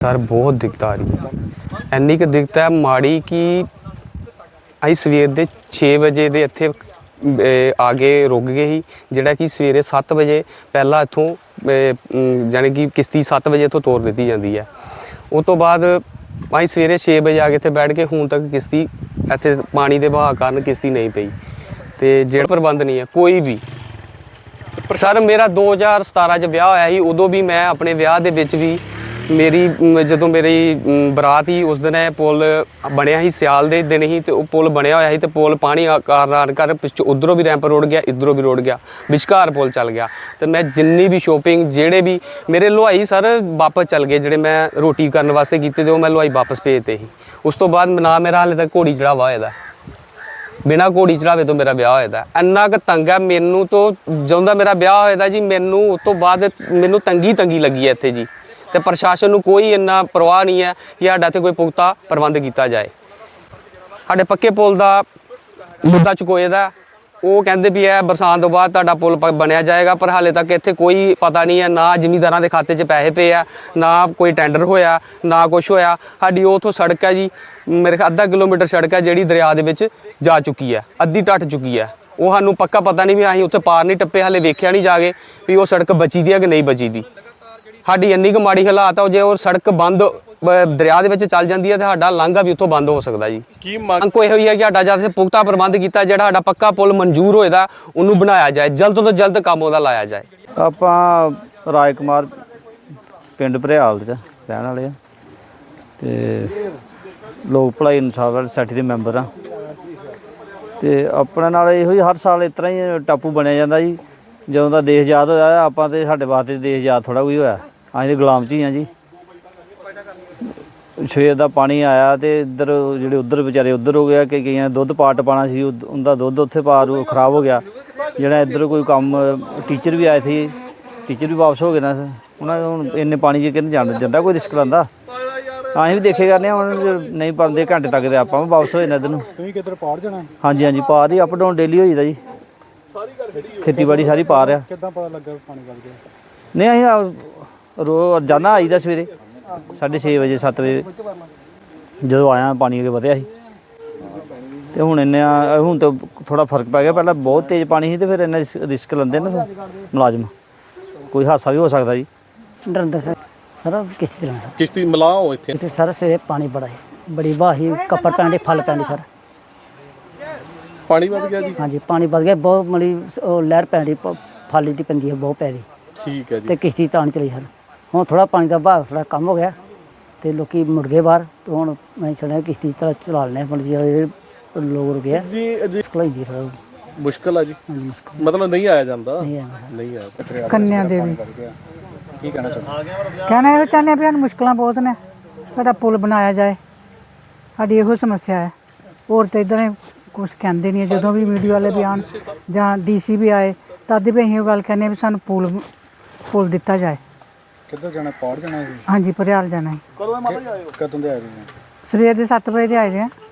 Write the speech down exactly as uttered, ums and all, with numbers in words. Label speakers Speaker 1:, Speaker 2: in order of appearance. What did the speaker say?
Speaker 1: Sir बहुत दिक्कत आ रही है, इन्नी क दिक्कत है माड़ी कि अं सवेर के छे बजे के इत्थे आगे रुक गए ही, जिहड़ा कि सवेरे सत्त बजे पहला इत्थों यानी कि किश्ती सत्त बजे इत्थों तोड़ दी जाती है। उस तो बाद अं सवेरे छे बजे आके इत्थे बैठ के हुण तक किश्ती इत्थे पानी के बहाव कारण किश्ती नहीं पई, तो जेड़ा प्रबंध नहीं है कोई भी। सर मेरा दो हज़ार सतारा च ब्याह होया ही, उदों भी मैं अपने ब्याह दे विच भी मेरी जदों मेरी बरात ही उस दिन पुल बनया ही, सियाल दे दिन ही, तो पुल बनया होया ही, तो पुल पानी कारण कर पिछों उधरों भी रैंप रुड़ गया, इधरों भी रुड़ गया, विचकार पुल चल गया। तो मैं जिन्नी भी शॉपिंग जेड़े भी मेरे लुहाई सर वापस चल गए, जेड़े मैं रोटी करने वास्ते कीते थे वो मैं लुहाई वापस भेजते ही। उस तो बाद ना मेरा हाले तक घोड़ी चढ़ावा होया दा, बिना घोड़ी चढ़ावे तो मेरा ब्याह होया। इन्ना क तंग है मैनू, तो ਜਦੋਂ ਦਾ मेरा ब्याह होया जी मैनू उस तो बाद मैनू तंगी तंगी लगी है इत्थे जी। तो प्रशासन को कोई इन्ना परवाह नहीं है कि साडा इत्थे कोई पुख्ता प्रबंध किया जाए। साडे पक्के पुल का मुद्दा चुकोए दा, वो कहते भी है बरसात तो बाद तुहाडा पुल बनया जाएगा, पर हाले तक इत्थे कोई पता नहीं है, ना जिमींदारां दे खाते च पैसे पे है, ना कोई टेंडर होया, ना कुछ होया। साडी उथों सड़क है जी, मेरे अद्धा किलोमीटर सड़क है जिहड़ी दरिया दे विच जा चुकी है, अद्धी टट चुकी है। वो सानूं पक्का पता नहीं भी असीं उत्थे पार नहीं टप्पे, हाले वेख्या नहीं जाके भी वो सड़क बची दी है कि नहीं बची दी। साडी इन्नी क माड़ी हालात है, जे वो सड़क बंद दरिया दे विच चल जाती है तो साडा लांघा भी उत्थों बंद हो सकता जी। की मंग कोई है कि साडा जद पुख्ता प्रबंध किया, जिहड़ा साडा पक्का पुल मंजूर होएदा उन्होंने बनाया जाए, जल्द तो जल्द काम उहदा लाया जाए।
Speaker 2: आपां राज कुमार पिंड भरियाल च रहण वाले आ ते लोक भलाई इंसाफ वाली सोसाइटी दे मैंबर आ, ते अपने नाल इहो ही हर साल इस तरह ही टापू बनया जांदा जी। ਜਦੋਂ ਦਾ देश आज़ाद होया ਆਪਾਂ ਤੇ ਸਾਡੇ ਵਾਸਤੇ देश आज़ाद थोड़ा कोई होया, ਅਸੀਂ ਤੇ ਗੁਲਾਮ ਚ ਹੀ ਆ ਜੀ। ਸਵੇਰ ਦਾ ਪਾਣੀ ਆਇਆ ਤੇ ਇੱਧਰ ਜਿਹੜੇ ਉੱਧਰ ਵਿਚਾਰੇ ਉੱਧਰ ਹੋ ਗਿਆ ਕਿ ਕਈਆਂ ਦੁੱਧ ਪਾਟ ਪਾਣਾ ਸੀ, ਉਹਦਾ ਦੁੱਧ ਉੱਥੇ ਪਾ ਰੂ ਖਰਾਬ ਹੋ ਗਿਆ। ਜਿਹੜਾ ਇੱਧਰ ਕੋਈ ਕੰਮ ਟੀਚਰ ਵੀ ਆਏ ਸੀ, ਟੀਚਰ ਵੀ ਵਾਪਸ ਹੋ ਗਏ ਨਾ, ਉਹਨਾਂ ਹੁਣ ਇੰਨੇ ਪਾਣੀ 'ਚ ਕਿਹਨੂੰ ਜਾਣ ਜਾਂਦਾ, ਕੋਈ ਰਿਸਕ ਲੈਂਦਾ। ਅਸੀਂ ਵੀ ਦੇਖੇ ਕਰਨੇ ਹੁਣ ਨਹੀਂ ਪਾਉਂਦੇ ਘੰਟੇ ਤੱਕ ਤੇ ਆਪਾਂ ਵੀ ਵਾਪਸ ਹੋ ਜਾਣਾ ਇੱਧਰ ਨੂੰ। ਤੁਸੀਂ ਕਿੱਧਰ ਪਾਰ ਜਾਣਾ? ਹਾਂਜੀ ਹਾਂਜੀ ਪਾਰ ਹੀ, ਅਪ ਡਾਊਨ ਡੇਲੀ ਹੋ ਜਾਂਦਾ ਜੀ। ਖੇਤੀਬਾੜੀ ਸਾਰੀ ਪਾਰ ਆ। ਕਿੱਦਾਂ ਪਤਾ ਲੱਗਾ ਪਾਣੀ ਵੱਧ ਗਿਆ? ਨਹੀਂ ਅਸੀਂ ਰੋ ਰੋਜ਼ਾਨਾ ਆਈਦਾ ਸਵੇਰੇ ਸਾਢੇ ਛੇ ਵਜੇ ਸੱਤ ਵਜੇ ਜਦੋਂ ਆਇਆ ਪਾਣੀ ਅੱਗੇ ਵਧਿਆ ਸੀ, ਤੇ ਹੁਣ ਇੰਨਾ ਹੁਣ ਤਾਂ ਥੋੜਾ ਫਰਕ ਪੈ ਗਿਆ। ਪਹਿਲਾਂ ਬਹੁਤ ਤੇਜ਼ ਪਾਣੀ ਸੀ ਤੇ ਫਿਰ ਇੰਨਾ ਰਿਸਕ ਲੈਂਦੇ ਨਾ ਮੁਲਾਜ਼ਮ, ਕੋਈ ਹਾਦਸਾ ਵੀ ਹੋ ਸਕਦਾ ਜੀ।
Speaker 3: ਡਰਦਾ ਸਰ ਸਰ ਕਿਸ਼ਤੀ ਚਲਾਉਣਾ,
Speaker 4: ਕਿਸ਼ਤੀ ਮਲਾਓ ਇੱਥੇ
Speaker 3: ਇੱਥੇ ਸਰ ਸਵੇਰੇ ਪਾਣੀ ਬੜਾ ਹੈ, ਬੜੀ ਵਾਹੀ ਕੱਪੜ ਪੈਂਦੇ ਫਲ ਪੈਂਦੇ ਸਰ।
Speaker 4: ਪਾਣੀ ਵੱਧ ਗਿਆ ਜੀ?
Speaker 3: ਹਾਂਜੀ ਪਾਣੀ ਵੱਧ ਗਿਆ ਬਹੁਤ, ਮਲੀ ਉਹ ਲਹਿਰ ਪੈਂਦੀ ਫਾਲੀ ਦੀ ਪੈਂਦੀ ਹੈ ਬਹੁਤ ਪੈ ਰਹੀ।
Speaker 4: ਠੀਕ ਹੈ ਜੀ।
Speaker 3: ਤੇ ਕਿਸ਼ਤੀ ਤਾਂ ਨਹੀਂ ਚਲੀ ਸਰ। ਹੁਣ ਥੋੜਾ ਪਾਣੀ ਦਾ ਵਹਾਅ ਥੋੜਾ ਕੰਮ ਹੋ ਗਿਆ ਤੇ ਲੋਕੀ ਮੁੜ ਗਏ ਬਾਹਰ, ਤੇ ਹੁਣ ਮੈਂ ਸੁਣਿਆ ਕਿਸ਼ਤੀ ਚਲਾ ਚਲਾ ਲੈਣੇ ਮਤਲਬ ਜਿਹੜੇ ਲੋਕ ਰੁਕੇ ਆ
Speaker 4: ਜੀ।
Speaker 3: ਮੁਸ਼ਕਲ ਹੁੰਦੀ ਥੋੜਾ
Speaker 4: ਮੁਸ਼ਕਲ ਆ ਜੀ,
Speaker 3: ਹਾਂਜੀ ਮੁਸ਼ਕਲ
Speaker 4: ਮਤਲਬ ਨਹੀਂ ਆਇਆ ਜਾਂਦਾ?
Speaker 3: ਨਹੀਂ ਆਇਆ
Speaker 4: ਨਹੀਂ ਆਇਆ।
Speaker 5: ਕੰਨਿਆ ਦੇਵੀ
Speaker 4: ਕੀ ਕਹਿਣਾ ਚਾਹੁੰਦੇ?
Speaker 5: ਕਹਿਣਾ ਇਹ ਚਾਹੁੰਦੇ ਵੀ ਸਾਨੂੰ ਮੁਸ਼ਕਲਾਂ ਬਹੁਤ ਨੇ, ਸਾਡਾ ਪੁਲ ਬਣਾਇਆ ਜਾਏ, ਸਾਡੀ ਇਹੋ ਸਮੱਸਿਆ ਹੈ। ਹੋਰ ਤਾਂ ਇੱਦਾਂ ਕੁਛ ਕਹਿੰਦੇ ਨਹੀਂ, ਜਦੋਂ ਵੀ ਮੀਡੀਆ ਵਾਲੇ ਵੀ ਆਉਣ ਜਾਂ ਡੀ ਸੀ ਵੀ ਆਏ ਤਦ ਵੀ ਅਸੀਂ ਉਹ ਗੱਲ ਕਹਿੰਦੇ ਵੀ ਸਾਨੂੰ ਪੁਲ ਪੁਲ ਦਿੱਤਾ ਜਾਏ।
Speaker 4: ਕਿੱਧਰ ਜਾਣਾ? ਪਾਰ ਜਾਣਾ?
Speaker 5: ਹਾਂਜੀ ਭਰਿਆਲ ਜਾਣਾ ਹੈ।
Speaker 4: ਕਦੋਂ ਮਾਤਾ ਜੀ ਆਏ ਹੋ? ਕਦੋਂ ਦੇ ਆਏ ਹੋ?
Speaker 5: ਸਵੇਰ ਦੇ ਸੱਤ ਵਜੇ ਦੇ ਆਏ ਦੇ ਆ।